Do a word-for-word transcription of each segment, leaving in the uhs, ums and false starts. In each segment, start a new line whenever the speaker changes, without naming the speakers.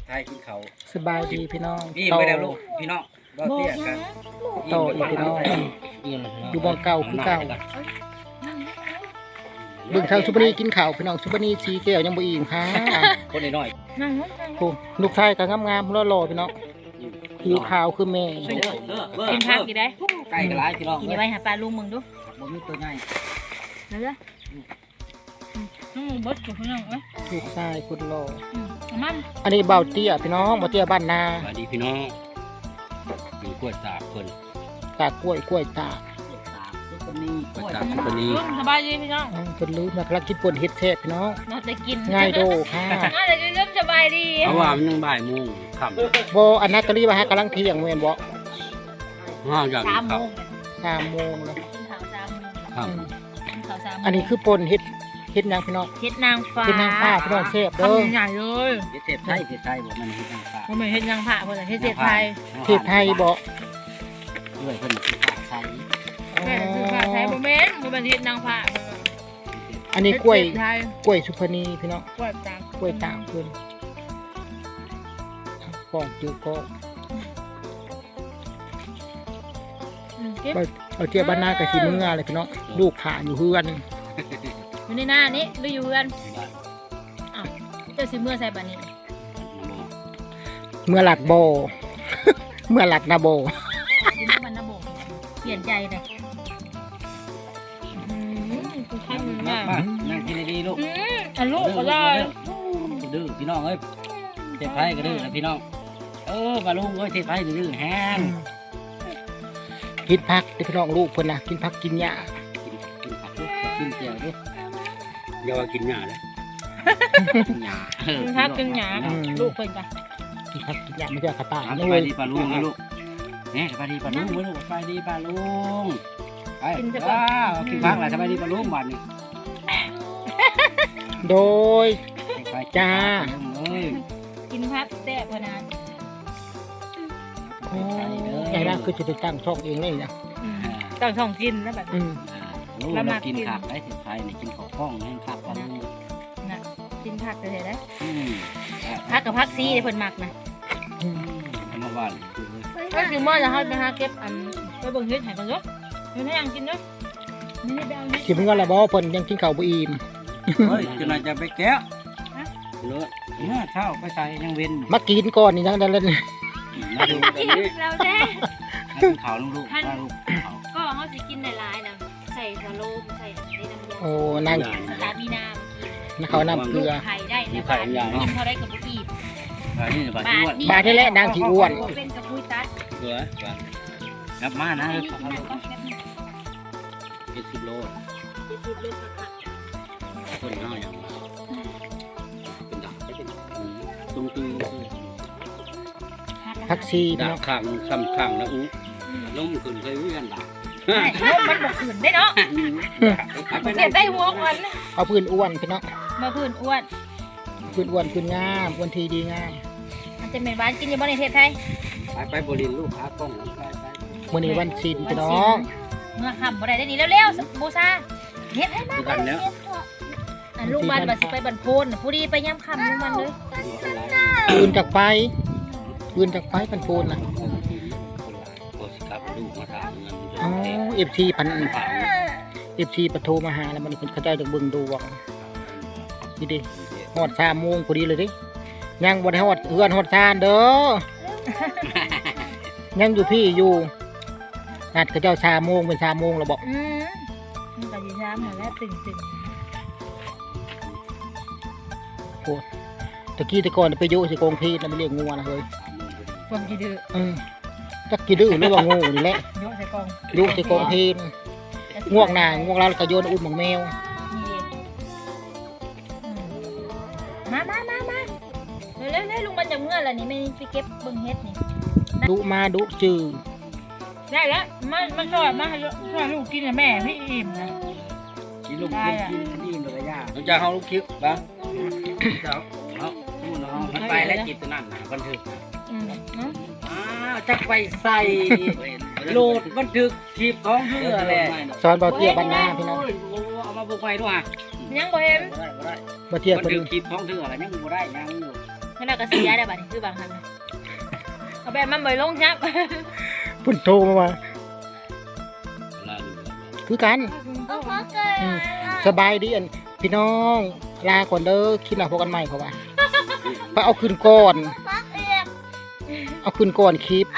ไทยกินเขา
สบายดีพี่น้อง
พี่ไปแล้วลูกพี่น้องบ่เตี้ยกัน
โตอีกพี่น้องอยู่บ่เก่าคือเก่าเบิ่งทางสุปนีกินข้าวพี่น้องสุปนีสีแก้วยังบ่อิ่มค่ะ
คนน้อย
ๆโอ้ลูกชายก็งามๆหล่อๆพี่น้องผิวขาวคือแม่
กินผักกี่ได้
ไก่กระไรพี่น้อง
กินไว้หาปลาลุงมึงดู
บ่มีตัวใหญ่
นั่นเลยน้องบดกับพี่น้องเอ้ย
ลูกชายคนหล่อ
มัน
อันนี้เบาเตี้ยพี่น้องเบาเตี้ยบ้านนา
สวัสดีพี่น้องอยู่กล้วยตากคน
ตากกล้วยกล้วยตาก
ซุปนีกล้วยตากซุปนี
สบายดีพี่น้อง
จนลืมนะกำลังกินป่นเฮ็ดแซ่บพี่น้อง
น่าจะกิน
ง่ายโดค่ะ
น่าจะเริ่มสบายดี
เพราะว่ามันยังบ่ายโมงค่
ำบ่อันนั้นตอรี่ว่าฮะกำลังเที่ยงแม่นบ่
ห้าอย่าง
สามโมง
สามโมงแล้ว
กินข้าวสามโมง
ครับ
กินข้าวสาม
อันนี้คือป่นเฮ็ดเฮ็ดนางพี่น้อง
เฮ็ดนางฟ้า
เฮ็ดนางฟ้าพี่น้องแซ่บเด้อ
ใหญ่เลย
เฮ็ดเทพไทยเทพไทยบ่มันเฮ็ดนางฟ้า
บ่แม่นเฮ็ดนางฟ้าเพิ่นเฮ็ดเทพไทย
เทพไทยบ่
ด้วยเพิ่นสิฟ้าใส
แม่คือฟ้าไทยบ่แม่นบ่แม่นเฮ็ดนางฟ้า
อันนี้กล้วยกล้วยสุพรรณีพี่น้อง
กล้วยตาก
กล้วยตากเพิ่นป้องจื้อก็เอาเจี๊ยบบ้านนากับสีมืออะไรพี่น้องลูกขาอยู่เฮือน
อยู่ในหน้านี้ดูอยู่เฮือนอ้าวเจ้าสิเมื่อใส่บัดนี้
เมื่อหลัดโบเมื่อหลัดนาโบ
สิเมื่อบันนาโบเปลี่ยนใจเลยอืมคือขั้นมาก
นั่งกินดีๆลูก
อืมอันลูกก็ได้
ดื้อพี่น้องเอ้ยเทพไทยก็ดื้อนะพี่น้องเออมาลุงเอ้ยเทพไทยดื้อแห้ง
กินผักที่พี่น้องลูกเพิ่นนะกินผักกินหญ้า
กินกินผักลูกกินเจียวดิอย่าว่ากินหญ้าเลยกินหญ้า
กินผักกินหญ้าลูกเพิ่นจ้ะ
กินผักกินหญ้าไม่ใช่กระต่าย
สบายดีปลาลุงนะลูกเนี่ยสบายดีปลาลุงลูกสบายดีปลาลุงไปว้าวกินผักแหละสบายดีปลาลุงบ้านนี้
โดยจ้า
กินผักแซ่บขนาด
โอ้ยายน่าคือจะตั้งช่องเองเลยนะ
ตั้งช่องกินแล้วแบบ
ลูกเรากินผักได้ถึงไทยเนี่ยกินของข้องให้ผักปลาลูก
นะกินผักเลยได้ผักกับผักซีเพิ่นมักนะ
ทำมาบ้าน
ก็คือเมื่อจะเขาไปหาเก็บอันไปเบิ่งเฮ็ดให้กันเนาะอยู่ในอ่างกินเนาะนี่ไปเอา
สิเพิ่นว่าอะไรบ่เพิ่นยังกินข้าวบ่อิ่ม
เฮ้ยจนอาจจะไปแกะเลอะเมื่อเช้าไปใส่ยังเว้น
มากินก่อนนี่ยังได้เล่น
มาดูแบบนี้
เราแท้
ขาวลูกลูกลูก
ก็เขาสิกินในลายนะใส่สโลมใส่ในน้ำยา
โอ้นั่ง
สตาร์มีน้
ำนะเขาน้ำเกลือ
ไข่ได้ในบ้านกินเขาได้กับอีบบาท
นี่บาทอ้วน
บาทนี่แหละนางที่อ้วน
เป็นกับปุ้ยตัด
เกลือนับมานะเจ็ดสิบโล
เจ็ดสิบโลค่ะ
คนน้อยอย่างเป็นดักเป็นตุ้งตุ้ง
พักซี
ดาบข้างซ้ำข้างแล้วอู้ล้มขึ้นเคยวิ่งกันด่า
ล้มมันบอกขึ้นได้เนาะเก็บได้หัวมัน
เอาพื้นอ้วนพี่เนาะ
มาพื้นอ้วน
พื้นอ้วนพื้นงามอ้วนทีดีงาม
มันจะเป็นบ้านกินอยู่บ้านในเทพไทย
ไปไปบริณลูกค้ากล้องไปไป
มื้อนี้วันศีลพี่น้อง
เมื่อค่ำบ่ได้ได้ดีเร็วๆบูชาเฮ็ดให้มากเลยอันลูกบ้านบัดสิไปบรรพนผู้ดีไปย่ำค่ำลูกมันเลย
ปืนจากไฟปืนจากไฟพันโพนนะอ๋อเอฟซีพันเอฟซีปะโทรมาหาแล้วมันเป็นกระจายจากเบิ่งดูว่าดีดิฮอดสามโมงพอดีเลยดิยังบนฮอดเฮือนฮอดซานเด้อยังอยู่พี่อยู่นัดกระเจ้าสามโมงเป็นสามโมงเราบอก
อืมมันก็อยู่ช้าเหมือนแล้วตึงตึง
โอ้ตะกี้ตะก่อนไปโยสิกองพีนะมันเรียกงัวนะเฮ้ย
ความกี่ดื้อ
อืมจักกี่ดื้อหรือว่างูนี่แหละ
โยใส่กอง
โยใส่กองพีนง่วงหน่ายง่วงแล้วก็โยนอุ้มของแมว
มามามามาเร็วเร็วลุงมันจะเมื่อไรนี่ไม่ไปเก็บบึงเฮ็ดนี่
ดุมาดุจืด
ได้แล้วมามาช่วยมาให้ช่วยลูกกินนะแม่พี่อิ่มนะ
กินลูกกินกินอิ่มเลยย่าเราจะเอาลูกคิ้วบ้างเจ้าเอาดูน้องมันไปแล้วจิตตัวนั้นนะบันทึกอ่าจะไปใส่โหลดบันทึกคลิปของเพื่อแหละ
สอนเบาเตี้ยบ้านนาพี่น้อง
เอามาบุกไปด้วย
ยังบ่เห็น
เบาเตี้ย
บันทึกคลิปของเพื่ออะไรยังบ่ได้ยังอยู่
ขนาดก็เสียได้บัดนี้คือบางครั้งเอาแบบมันบ่ลงครับ
พุ่นโทรมาว่าคือกันอืมสบายดีอันพี่น้องลาก่อนเด้อคิดหน้าพบกันใหม่เขาว่าไปเอาคืนก่อนเอาคืนก่อนคลิป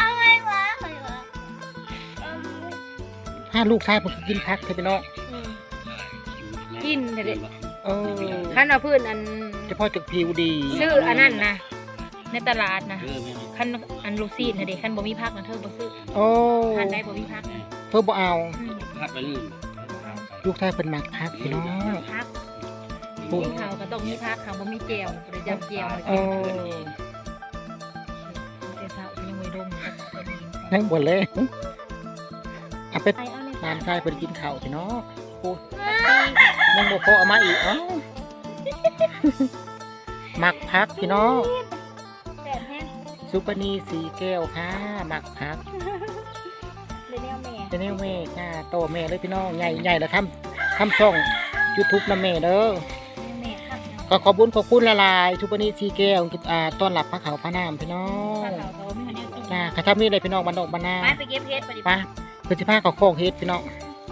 ถ้าลูกชายผมกินพักเถอะพี่น้อง
กินเด็ด
เออ
ขั้นเอาพื้นอัน
เฉพาะจากผิวดี
ซื้ออันนั้นนะในตลาดนะขั้นอันลูซีนเด็ดขั้นบ่มีพักนะเธอบ่ซื้อ
โอ้
ขั้นได้บ่มีพักนะ
เพิ่นบ่เอา
พัดไปนี่
ลูกชายเพิ่นมักพักพี่น้อง
พักกินข้าวก็ต้องมีพักค่ะบ่มีแจ่วบ่ได้จำแจ่วมา
เอ
กิน
อ
แต่เช้ายังไม่ดม
นั่งบ่เลยเอาไป
ไปเอาเลย
นานชายเพิ่นกินข้าวพี่น้องโอ้ยังบ่พอเอามาอีกเอ้ามักพักพี่น้อง
แต่แห้ง
ซุปเปอร์นีสีแก้วค่ะมักพัก
เลยแนวแม่
เป็นแนวแม่ค่ะโตแม่เลยพี่น้องใหญ่ใหญ่แล้วทำทำช่อง YouTube นำแม่เด้อ
แม่ครับ
ก็ขอบคุณขอบคุณละลายซุปเปอร์นีสีแก้วอ่าต้อนรับพระเขาพระนามพี่น้อง
ข้าวเขาไม่ทันได้กิน
จ้าข้าทำนี่เลยพี่น้องบ้านนอกบ้านนา
ไปไปเก็บเฮ็ดไปดิ
ไปเพื่อสิพาเขาโคกเฮ็ดพี่น้อง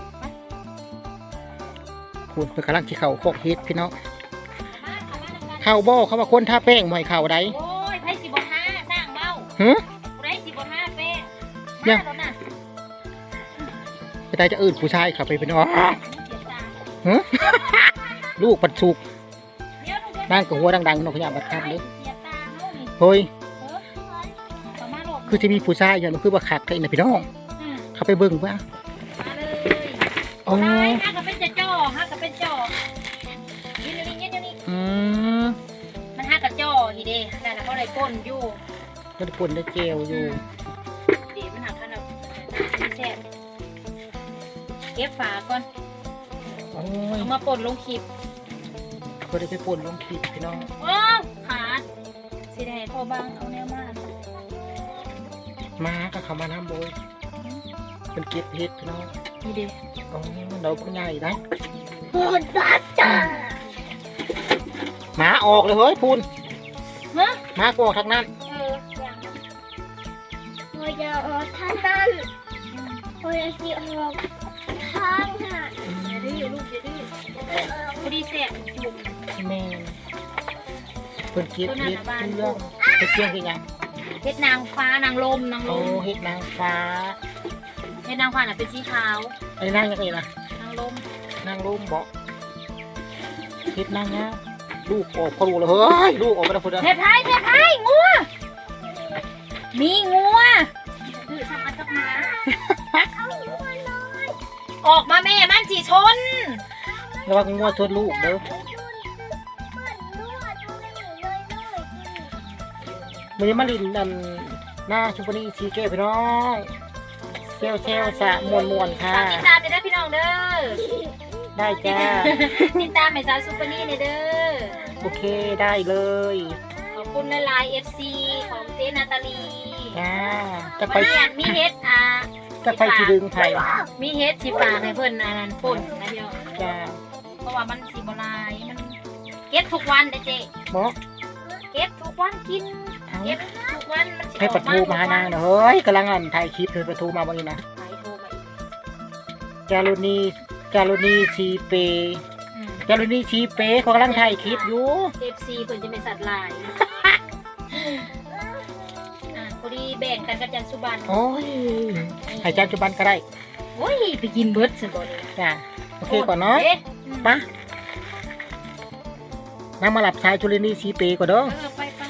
คุณเพื่อกำลังที่เขาโคกเฮ็ดพี่น้องเข้าบ่เขาว่าคนท่าแป้งบ่ให้เข้าได้
โอ้ยไผสิบ่ห้าสร้างเบ้า
หึ
ผู้ใดสิบ่ห้าเป้
ยั
มาง แล้วน่ะ
ไปได้จะอื่นผู้ชายเข้าไปพี่น้อง
เสียตา
หึลูกปัดสุก
เดี๋ยวลูกเดี๋ยว
นั่งกับหัวดังๆนกขยะบัดครับเลย
เสียตาเฮานี่
เฮ้ย
เออประมาณโลด
คือจะมีผู้ชายอย่างนั้นคือว่าขักเลยนะพี่น้อง
อืม
เขาไปเบิ่งว่า
มาเลย
อ๋อ
ตายฮะก็เป็นจะจ่อฮะก็เป็นจ่อยืนอยู่นี่ยืนอยู่นี่
อืม
มันฮะกับจ่ออีเด้นั่นน่ะเขาได้ก้นอยู่
ก็ได้ผลได้เจลอยู่
เดี๋ยวมันหักขนาดนี้แซ่บเก็บฝาก่อน
โอ้ย
เอามาป่นลงคลิป
ก็ได้ไปป่นลงขีดพี่น้อง
ว้าวขาดสิได้ให้พ่อบ้างเอาแนวมา
มาก็เขามาน้ำโบยเป็นเก็บเฮ็ดพี่น้อง
นี่เด้
โอ้เราผู้ใหญ่นะ
ปวดตาจ้า
หมาออกเลยเฮ้ยพูน
ฮะ
หมาก็ออกทางนั้น
เอออย่าง
พอจะออกท่านั่นพอจะสิออกทางน่ะ
อย่าดื้อลูกอย่าดื้อพอดีแซ่บจุ่ม
แม่นเป็นเก็บเฮ็ดเครื่องเฮ็ดเครื่องคือหยัง
เฮ็ดนางฟ้านางลมนางล
โอ้
ม
เฮ็ดนางฟ้า
เฮ็ดนางฟ้าน่ะเป็นสีขาว
ไอ้นางยังไงล่ะ
นางลม
นางร่มบอกเฮ็ดนางเนี้ยลูกออกพอรู้เลยเฮ้ยลูกออกไปแล้วพุ่น
เทพไทยเทพไทยงัวมีงัวดื้อสักอันสักหมาออกมาแม่มันสิชน
ระวังงัวชนลูกเด้อมันยังมาลินนั่นหน้าชุบนีซีเก้พี่น้องเซลเซลสะมวนมวนค่ะ
ฝากติดตามด้วยนะพี่น้องเด้อ
ได้จ้า
ติดตามให้สาวซุปเปอร์นี่เด้อ
โอเคได้เลย
ขอบคุณในไลน์เอฟซีของเจนาตาลี
จ้าจะไป
วันนี้มีเฮ็ดอ่า
จะไปสีดึงไผ่
มีเฮ็ดสิฝากให้เพิ่นอันนั้นป่นนะพี่น้อง
จ้า
เพราะว่ามันสิบ่ลายมันเก็บทุกวันเด้อเจ๊
บอก
เก็บทุกวันกิน
เอา
เก็บทุกวันมันสิ
ให้ประตูมาหานางหน่อยเฮ้ยกำลังอันถ่ายคลิปเลยประตูมาบ้างนี่นะ
ไปโทรมาอีก
จารุณีจารุณีชีเป
อืม
จารุณีชีเปเขากำลังถ่ายคลิปอยู่
เอฟซีเพิ่นจะเป็นสัตว์ลายอ่าพอดีแบ่งกันกับจันสุบัน
โอ้ยให้จานจุบันก็ได้
โอ้ยไปกินเบิดซะบ่เลย
จ้าโอเคก่อนเนาะ
อ๊
ปะนั่งมาหลับชายจุลินีชีเปก่อนเด้อ
เออไปไป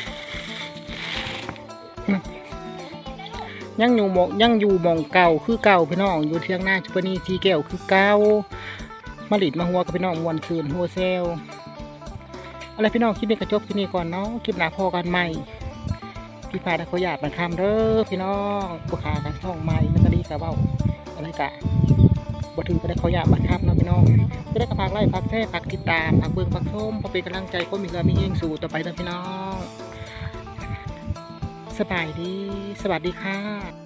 ยังอยู่หมองยังอยู่หมองเก่าคือเก่าพี่น้องอยู่เทียงหน้าจุปนีชีแก้วคือเก่ามาหลิดมาหัวกับพี่น้องมวนซืนหัวเซลอะไรพี่น้องคลิปนี้กระจบที่นี่ก่อนเนาะคลิปหน้าพอกันใหม่พี่พาตะขอหยาดมันคำเด้อพี่น้องบุคากันช่องใหม่แล้วก็ดีกะเบ้าอะไรกะบ่ถือก็ได้ขอหยาดมันคำเนาะพี่น้องก็ได้กระพากไล่พักแท้พักติดตามพักเบิ่งพักชมพอเป็นกำลังใจคนมีเงินมีเงินสู่ต่อไปนะพี่น้องสบายดีสวัสดีค่ะ